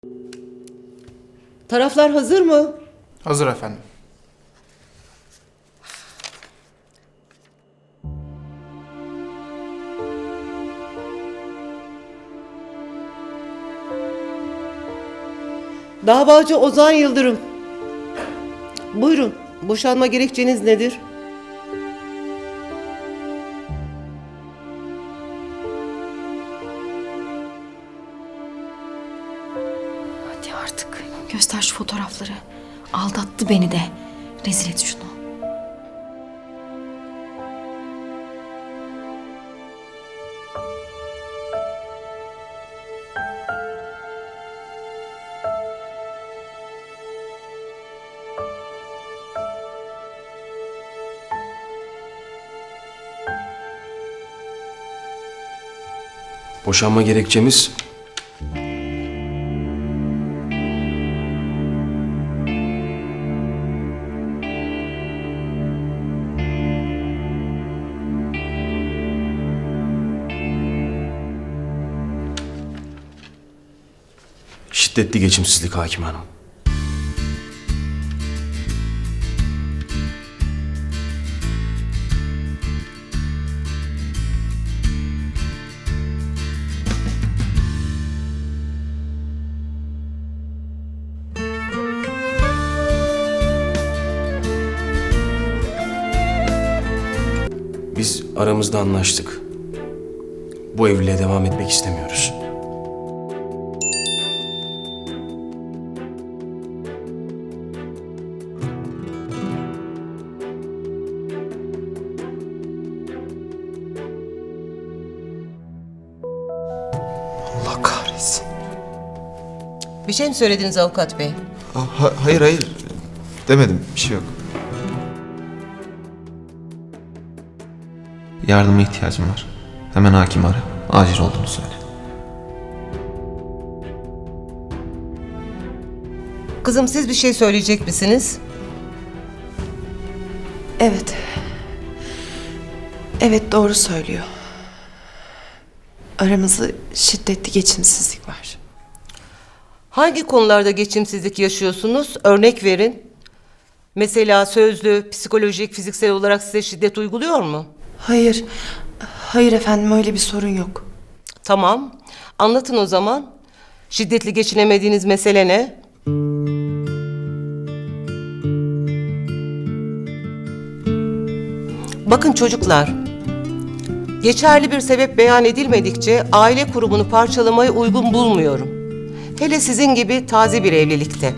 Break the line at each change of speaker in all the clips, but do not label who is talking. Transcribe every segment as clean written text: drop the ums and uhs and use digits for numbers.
Taraflar hazır mı?
Hazır efendim.
Davacı Ozan Yıldırım. Buyurun, boşanma gerekçeniz nedir?
Hadi artık göster şu fotoğrafları. Aldattı beni de. Rezil et şunu.
Boşanma gerekçemiz şiddetli geçimsizlik hakim hanım. Biz aramızda anlaştık. Bu evliliğe devam etmek istemiyoruz.
Allah kahretsin.
Bir şey mi söylediniz avukat bey?
Hayır. Demedim. Bir şey yok. Yardıma ihtiyacım var. Hemen hakim ara. Acil olduğunu söyle.
Kızım siz bir şey söyleyecek misiniz?
Evet. Evet, doğru söylüyor. Aramızda şiddetli geçimsizlik var.
Hangi konularda geçimsizlik yaşıyorsunuz? Örnek verin. Mesela sözlü, psikolojik, fiziksel olarak size şiddet uyguluyor mu?
Hayır. Hayır efendim, öyle bir sorun yok.
Tamam. Anlatın o zaman. Şiddetli geçinemediğiniz mesele ne? Bakın çocuklar. Geçerli bir sebep beyan edilmedikçe aile kurumunu parçalamayı uygun bulmuyorum. Hele sizin gibi taze bir evlilikte.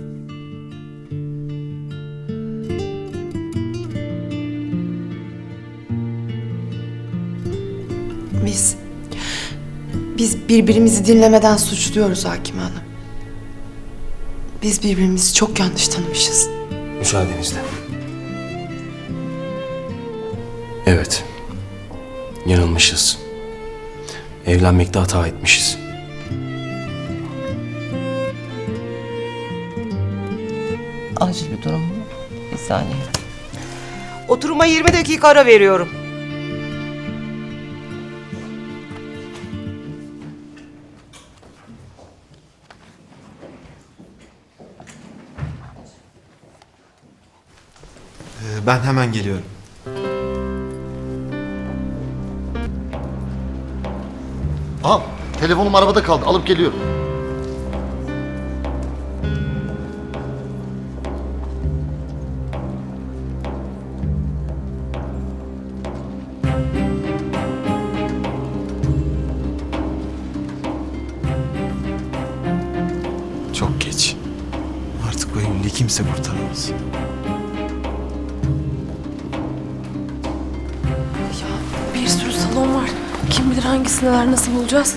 Biz birbirimizi dinlemeden suçluyoruz Hakim Hanım. Biz birbirimizi çok yanlış tanımışız.
Müsaadenizle. Evet. Yanılmışız. Evlenmekte hata etmişiz.
Acil bir durum mu? Bir saniye. Oturuma 20 dakika ara veriyorum.
Ben hemen geliyorum.
Al. Telefonum arabada kaldı. Alıp geliyorum.
Çok geç. Artık bu evliliği kimse kurtaramaz.
Ya bir sürü salon var. Kim bilir hangisindeler, nasıl bulacağız?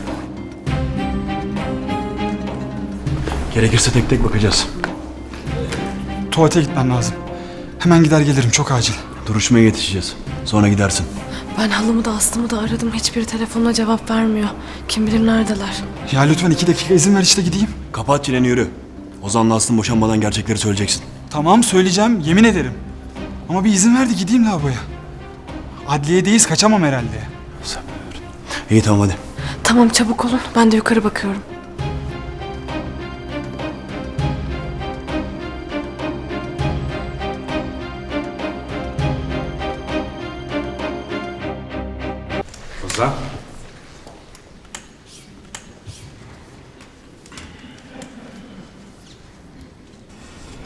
Gerekirse tek tek bakacağız.
Tuvalete gitmem lazım. Hemen gider gelirim, çok acil.
Duruşmaya yetişeceğiz. Sonra gidersin.
Ben halımı da Aslı'mı da aradım. Hiçbiri telefonuna cevap vermiyor. Kim bilir neredeler.
Ya lütfen 2 dakika izin ver işte gideyim.
Kapat çeneni, yürü. Ozan'la Aslı'nın boşanmadan gerçekleri söyleyeceksin.
Tamam söyleyeceğim, yemin ederim. Ama bir izin ver de gideyim lavaboya. Adliyedeyiz, kaçamam herhalde.
İyi tamam hadi.
Tamam çabuk olun. Ben de yukarı bakıyorum.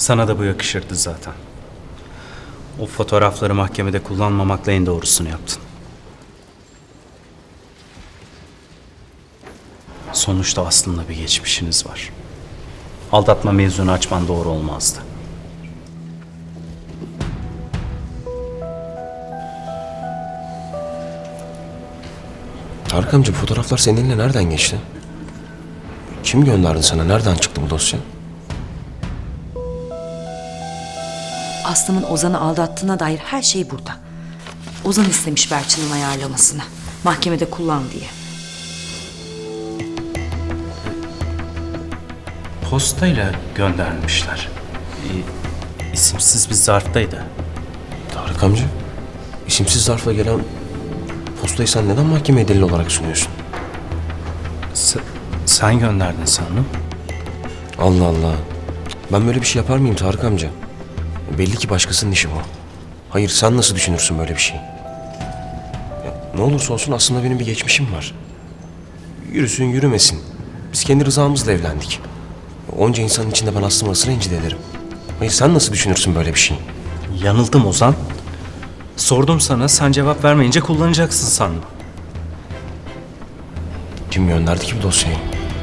Sana da bu yakışırdı zaten. O fotoğrafları mahkemede kullanmamakla en doğrusunu yaptın. Sonuçta aslında bir geçmişiniz var. Aldatma mevzunu açman doğru olmazdı.
Tarık amca, fotoğraflar senin eline nereden geçti? Kim gönderdi sana? Nereden çıktı bu dosya?
Aslı'nın Ozan'ı aldattığına dair her şey burada. Ozan istemiş Berçin'in ayarlamasını. Mahkemede kullan diye.
Postayla göndermişler. İsimsiz bir zarftaydı.
Tarık amca, isimsiz zarfla gelen postayı sen neden mahkemeye delil olarak sunuyorsun?
Sen gönderdin sanırım.
Allah Allah. Ben böyle bir şey yapar mıyım Tarık amca? Belli ki başkasının işi bu. Hayır, sen nasıl düşünürsün böyle bir şey? Ya, ne olursa olsun aslında benim bir geçmişim var. Yürüsün yürümesin. Biz kendi rızamızla evlendik. Onca insanın içinde ben Aslı'mı nasıl rencide ederim? Hayır, sen nasıl düşünürsün böyle bir şey?
Yanıldım Ozan. Sordum sana, sen cevap vermeyince kullanacaksın sandım.
Kim gönderdi ki bu dosyayı?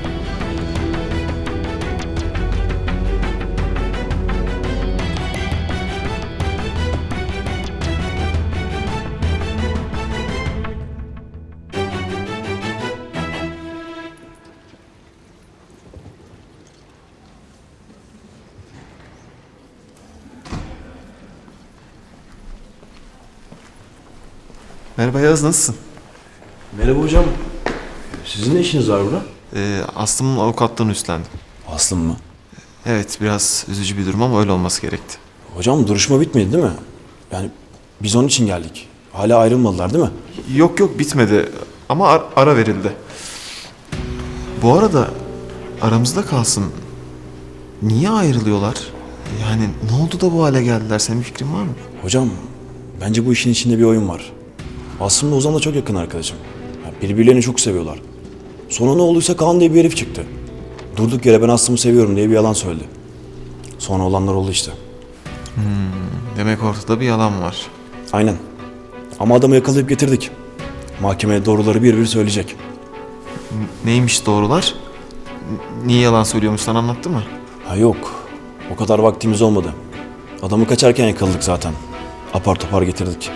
Merhaba Yağız, nasılsın?
Merhaba hocam. Sizin ne işiniz var burada?
Aslım'ın avukatlığını üstlendim.
Aslım mı?
Evet, biraz üzücü bir durum ama öyle olması gerekti.
Hocam duruşma bitmedi değil mi? Yani biz onun için geldik. Hala ayrılmadılar değil mi?
Yok bitmedi ama ara verildi. Bu arada aramızda kalsın. Niye ayrılıyorlar? Yani ne oldu da bu hale geldiler? Senin bir fikrin var mı?
Hocam bence bu işin içinde bir oyun var. Aslında Ozan'la çok yakın arkadaşım. Ya, birbirlerini çok seviyorlar. Sonra ne olduysa Kaan diye bir herif çıktı. Durduk yere ben Aslı'mı seviyorum diye bir yalan söyledi. Sonra olanlar oldu işte.
Demek ortada bir yalan var.
Aynen. Ama adamı yakalayıp getirdik. Mahkemeye doğruları bir bir söyleyecek.
Neymiş doğrular? Niye yalan söylüyormuş, sana anlattı mı?
Ha yok. O kadar vaktimiz olmadı. Adamı kaçarken yakaladık zaten. Apar topar getirdik.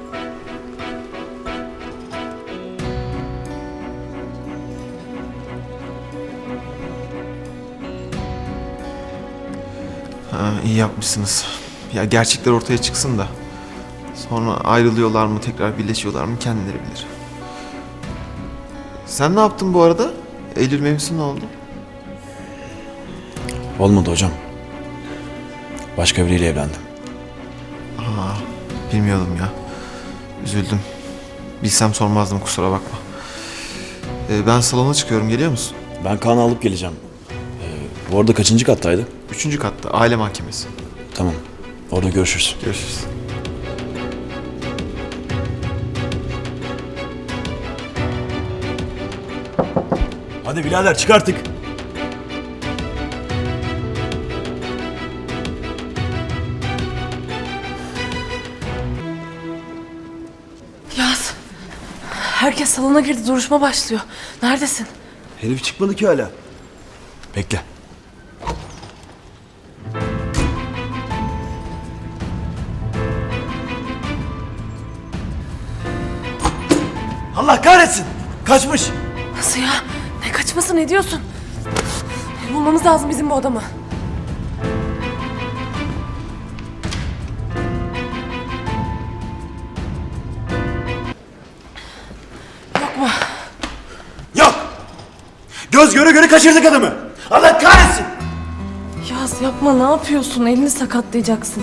İyi yapmışsınız. Ya gerçekler ortaya çıksın da. Sonra ayrılıyorlar mı, tekrar birleşiyorlar mı kendileri bilir. Sen ne yaptın bu arada? Eylül mevzusu ne oldu?
Olmadı hocam. Başka biriyle evlendim.
Bilmiyordum ya. Üzüldüm. Bilsem sormazdım, kusura bakma. Ben salona çıkıyorum, geliyor musun?
Ben Kaan'ı alıp geleceğim. Bu arada kaçıncı kattaydı?
3. katta, aile mahkemesi.
Tamam. Orada görüşürüz.
Görüşürüz.
Hadi birader çık artık.
Yaz. Herkes salona girdi. Duruşma başlıyor. Neredesin?
Herif çıkmadı ki hala. Bekle. Allah kahretsin! Kaçmış!
Nasıl ya? Ne kaçması, ne diyorsun? Bulmamız lazım bizim bu adamı. Yok mu?
Yok! Göz göre göre kaçırdık adamı! Allah kahretsin!
Yaz yapma, ne yapıyorsun? Elini sakatlayacaksın.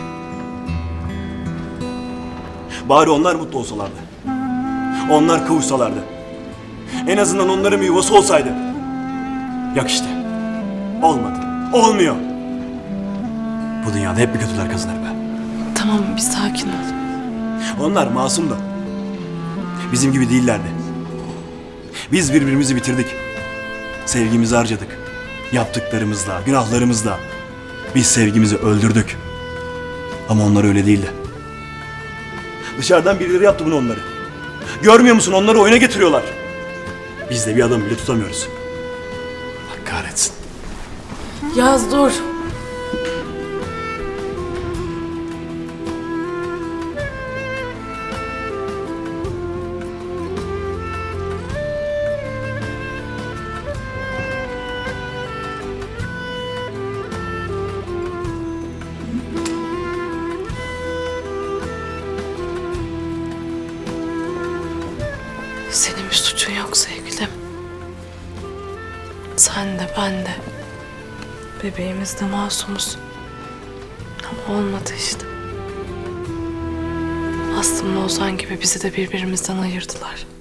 Bari onlar mutlu olsalardı. Onlar kavuşsalardı. En azından onların bir yuvası olsaydı. Yok işte. Olmadı. Olmuyor. Bu dünyada hep bir kötüler kazanır be.
Tamam, bir sakin ol.
Onlar masum da. Bizim gibi değillerdi. Biz birbirimizi bitirdik. Sevgimizi harcadık. Yaptıklarımızla, günahlarımızla. Biz sevgimizi öldürdük. Ama onlar öyle değildi. Dışarıdan birileri yaptı bunu onları. Görmüyor musun? Onları oyuna getiriyorlar. Biz de bir adam bile tutamıyoruz. Allah kahretsin.
Yaz dur. Senin bir suçun yok sevgilim. Sen de ben de. Bebeğimiz de masumuz. Ama olmadı işte. Aslında Ozan gibi bizi de birbirimizden ayırdılar.